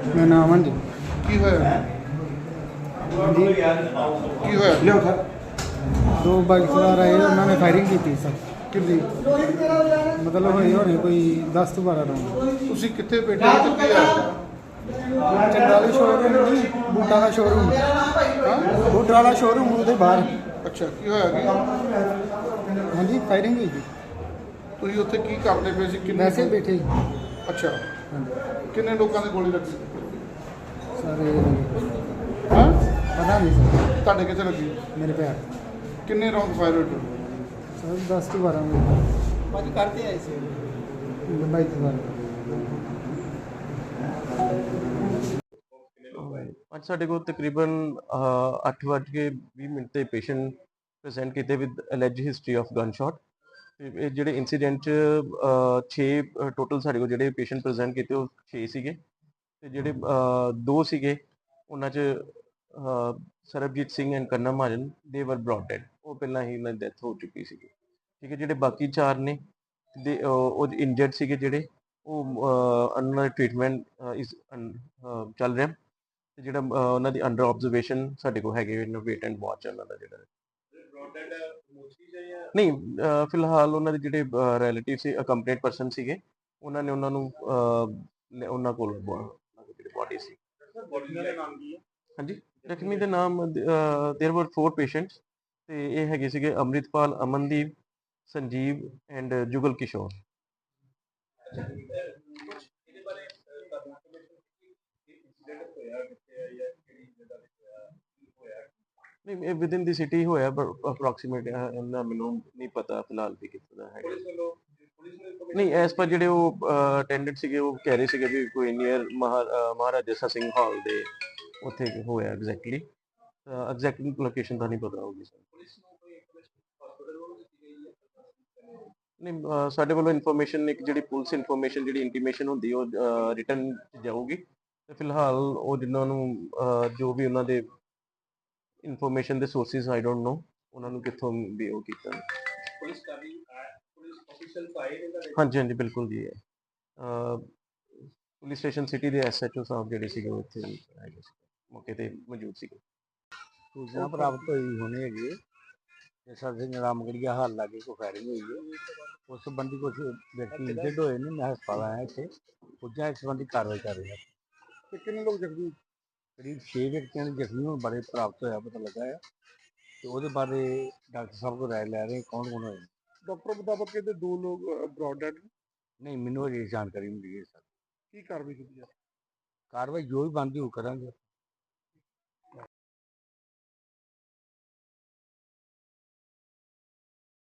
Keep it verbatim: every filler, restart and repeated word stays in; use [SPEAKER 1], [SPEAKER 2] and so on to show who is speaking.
[SPEAKER 1] ਮੇਰਾ ਨਾਮ ਅਮਨ ਜੀ।
[SPEAKER 2] ਕੀ ਹੋਇਆ
[SPEAKER 1] ਹਾਂਜੀ,
[SPEAKER 2] ਕੀ ਹੋਇਆ
[SPEAKER 1] ਲਿਓ ਸਰ। ਦੋ ਬਾਈਕ ਸਵਾਰ ਆਏ, ਉਹਨਾਂ ਨੇ ਫਾਇਰਿੰਗ ਕੀਤੀ ਸਰ।
[SPEAKER 2] ਕਿੰਨੀ
[SPEAKER 1] ਮਤਲਬ ਹੋਏ ਹੋਣੇ ਕੋਈ ਦਸ ਤੋਂ ਬਾਰਾਂ ਰਾਉਂਡ।
[SPEAKER 2] ਤੁਸੀਂ ਕਿੱਥੇ ਬੈਠੇ ਹੋ ਤੇ ਕੀ ਹੋਇਆ?
[SPEAKER 1] ਚੰਗਾ ਵਾਲੀ ਸ਼ੋਰੂਮ ਨਹੀਂ, ਬੂਟਾਂ ਦਾ ਸ਼ੋਰੂਮ।
[SPEAKER 2] ਹਾਂ
[SPEAKER 1] ਬੂਟਾਂ ਵਾਲਾ ਸ਼ੋਰੂਮ ਉਹਦੇ ਬਾਹਰ।
[SPEAKER 2] ਅੱਛਾ, ਕੀ ਹੋਇਆ ਕੀ
[SPEAKER 1] ਹਾਂਜੀ, ਫਾਇਰਿੰਗ ਹੋਈ ਜੀ।
[SPEAKER 2] ਤੁਸੀਂ ਉੱਥੇ ਕੀ ਕਰਦੇ ਪਏ ਸੀ? ਕਿੰਨੇ
[SPEAKER 1] ਵੈਸੇ ਬੈਠੇ ਜੀ।
[SPEAKER 2] ਅੱਛਾ,
[SPEAKER 1] ਹਾਂਜੀ
[SPEAKER 2] ਕਿੰਨੇ ਲੋਕਾਂ ਦੇ ਗੋਲੀ ਲੱਗੀ?
[SPEAKER 1] ਸਰ,
[SPEAKER 2] ਹਾਂ,
[SPEAKER 1] ਪਤਾ ਨਹੀਂ ਸਰ।
[SPEAKER 2] ਤੁਹਾਡੇ ਕਿੱਥੇ ਲੱਗੀ?
[SPEAKER 1] ਮੇਰੇ ਪੈਰ
[SPEAKER 2] ਕਿੰਨੇ ਰੌਂਡ ਫਾਇਰ ਹੋਏ?
[SPEAKER 1] ਸਰ ਦਸ ਤੋਂ ਬਾਰਾਂ ਮਿੰਟ
[SPEAKER 3] ਭਾਜੀ ਕਰਦੇ ਆਏ ਸੀ।
[SPEAKER 1] ਬਾਈਕ ਸਵਾਰ।
[SPEAKER 4] ਅੱਜ ਸਾਡੇ ਕੋਲ ਤਕਰੀਬਨ ਅਹ, ਅੱਠ ਵੱਜ ਕੇ ਵੀਹ ਮਿੰਟ ਤੇ ਪੇਸ਼ੈਂਟ ਪ੍ਰੈਜ਼ੈਂਟ ਕੀਤੇ with alleged history of gun shot. ਤੇ ਇਹ ਜਿਹੜੇ ਇਨਸੀਡੈਂਟ 'ਚ ਛੇ ਟੋਟਲ ਸਾਡੇ ਕੋਲ ਜਿਹੜੇ ਪੇਸ਼ੈਂਟ ਪ੍ਰੈਜ਼ੈਂਟ ਕੀਤੇ ਉਹ ਛੇ ਸੀਗੇ। ਤੇ ਜਿਹੜੇ ਅਹ, ਦੋ ਸੀਗੇ ਉਹਨਾਂ 'ਚ ਅਹ, ਸਰਬਜੀਤ ਸਿੰਘ ਐਂਡ ਕੰਨਾ ਮਹਾਜਨ ਦੇ ਵਰ ਬ੍ਰੌਟ ਡੈਡ। ਉਹ ਪਹਿਲਾਂ ਹੀ ਉਹਨਾਂ ਦੀ ਡੈਥ ਹੋ ਚੁੱਕੀ ਸੀਗੀ। ਠੀਕ ਹੈ, ਜਿਹੜੇ ਬਾਕੀ ਚਾਰ ਨੇ ਦੇ ਉਹ ਇੰਜਰਡ ਸੀਗੇ ਜਿਹੜੇ ਉਹ ਅਹ, ਉਹਨਾਂ ਦਾ ਟ੍ਰੀਟਮੈਂਟ ਇਸ ਚੱਲ ਰਿਹਾ। ਤੇ ਜਿਹੜਾ ਅਹ, ਉਹਨਾਂ ਦੀ ਅੰਡਰ ਆਬਜ਼ਰਵੇਸ਼ਨ ਸਾਡੇ ਕੋਲ ਹੈਗੇ ਵੇਟ ਐਂਡ ਵਾਚ ਉਹਨਾਂ ਦਾ ਜਿਹੜਾ ਨਹੀਂ ਅਹ, ਫਿਲਹਾਲ ਉਹਨਾਂ ਦੇ ਜਿਹੜੇ ਰਿਲੇਟਿਵ ਸੀ ਅਕੰਪਲੀਟ ਪਰਸਨ ਸੀਗੇ ਉਹਨਾਂ ਨੇ ਉਹਨਾਂ ਨੂੰ ਅਹ, ਲੈ- ਉਹਨਾਂ ਕੋਲ ਜਿਹੜੀ ਬੋਡੀ ਸੀ। ਹਾਂਜੀ, ਜ਼ਖਮੀ ਦੇ ਨਾਮ देयर वर फोर ਪੇਸ਼ੈਂਟਸ ਤੇ ਇਹ ਹੈਗੇ ਸੀਗੇ ਅੰਮ੍ਰਿਤਪਾਲ, ਅਮਨਦੀਪ, ਸੰਜੀਵ ਐਂਡ ਜੁਗਲ ਕਿਸ਼ੋਰ। ਨਹੀਂ, ਇਹ ਵਿਦਿਨ ਦੀ ਸਿਟੀ ਹੋਇਆ ਪਰ ਅਪਰੋਕਸੀਮੇਟ ਇਹਨਾਂ ਮੈਨੂੰ ਨਹੀਂ ਪਤਾ ਫਿਲਹਾਲ ਵੀ ਕਿੱਥੇ ਦਾ ਹੈਗਾ। ਨਹੀਂ, ਐਸ ਪਰ ਜਿਹੜੇ ਉਹ ਅਟੈਂਡੈਂਟ ਸੀਗੇ ਉਹ ਕਹਿ ਰਹੇ ਸੀਗੇ ਵੀ ਕੋਈ ਨੀਅਰ ਮਹਾਰਾਜਾ ਜੱਸਾ ਸਿੰਘ ਹਾਲ ਦੇ ਉੱਥੇ ਹੋਇਆ ਐਗਜ਼ੈਕਟਲੀ। ਐਗਜ਼ੈਕਟ ਲੋਕੇਸ਼ਨ ਤਾਂ ਨਹੀਂ ਪਤਾ ਹੋਊਗੀ ਸਰ। ਨਹੀਂ, ਅਹ, ਸਾਡੇ ਵੱਲੋਂ ਇਨਫੋਰਮੇਸ਼ਨ ਇੱਕ ਜਿਹੜੀ ਪੁਲਿਸ ਇਨਫੋਰਮੇਸ਼ਨ ਜਿਹੜੀ ਇੰਟੀਮੇਸ਼ਨ ਹੁੰਦੀ ਉਹ ਰਿਟਰਨ ਜਾਊਗੀ। ਤੇ ਫਿਲਹਾਲ ਉਹ ਜਿਨ੍ਹਾਂ ਨੂੰ ਅਹ, ਜੋ ਵੀ ਉਹਨਾਂ ਦੇ ਇਨਫੋਰਮੇਸ਼ਨ ਦੇ ਸੋਰਸਿਸ ਆਈ ਡੋਂਟ ਨੋ ਉਹਨਾਂ ਨੂੰ ਕਿੱਥੋਂ ਵੀ ਉਹ ਕੀਤਾ। ਪੁਲਿਸ ਕਰ ਰਹੀ ਪੁਲਿਸ ਆਫੀਸ਼ੀਅਲ ਫਾਈਲ ਹਾਂਜੀ ਹਾਂਜੀ ਬਿਲਕੁਲ ਜੀ। ਅਹ, ਪੁਲਿਸ ਸਟੇਸ਼ਨ ਸਿਟੀ ਦੇ ਐਸਐਚਓ ਸਾਹਿਬ ਜਿਹੜੇ ਸੀਗੇ ਉਹ ਇੱਥੇ ਹੈਗੇ ਸੀ, ਮੌਕੇ ਤੇ ਮੌਜੂਦ ਸੀਗੇ।
[SPEAKER 3] ਸੂਚਨਾ ਪ੍ਰਾਪਤ ਹੋਈ ਹੋਣੀ ਹੈਗੀ ਹੈ। ਜੱਸਾ ਸਿੰਘ ਰਾਮਗੜੀਆ ਹਾਲ ਲਾਗੇ ਕੋਈ ਫਾਇਰਿੰਗ ਹੋਈ ਹੈ। ਉਸ ਸੰਬੰਧੀ ਕੁਝ ਵਿਅਕਤੀ ਇੰਜਰਡ ਹੋਏ ਨੇ। ਮੈਂ ਹਸਪਤਾਲ ਆਇਆ ਇੱਥੇ ਪੁੱਜਾ, ਇਸ ਸੰਬੰਧੀ ਕਾਰਵਾਈ ਕਰ ਰਹੇ ਹਾਂ।
[SPEAKER 2] ਤੇ ਕਿੰਨੇ ਲੋਕ ਜ਼ਖਮੀ?
[SPEAKER 3] ਕਰੀਬ ਛੇ ਵਿਅਕਤੀਆਂ ਦੇ ਜ਼ਖਮੀ ਹੋਣ ਬਾਰੇ ਪ੍ਰਾਪਤ ਹੋਇਆ ਪਤਾ ਲੱਗਾ ਹੈ ਤੇ ਉਹਦੇ ਬਾਰੇ ਡਾਕਟਰ ਸਾਹਿਬ ਕੋਲ ਰਾਏ ਲੈ ਰਹੇ ਕੌਣ ਕੌਣ ਹੋਏ।
[SPEAKER 2] ਡਾਕਟਰ ਮੁਤਾਬਕ ਕਹਿੰਦੇ ਦੋ ਲੋਕ ਬ੍ਰੌਡ ਡੈਡ।
[SPEAKER 3] ਨਹੀਂ, ਮੈਨੂੰ ਅਜੇ ਜਾਣਕਾਰੀ ਮਿਲੀ ਹੈ ਸਰ।
[SPEAKER 2] ਕੀ ਕਾਰਵਾਈ ਕੀਤੀ ਜਾ?
[SPEAKER 3] ਕਾਰਵਾਈ ਜੋ ਵੀ ਬਣਦੀ ਉਹ ਕਰਾਂਗੇ।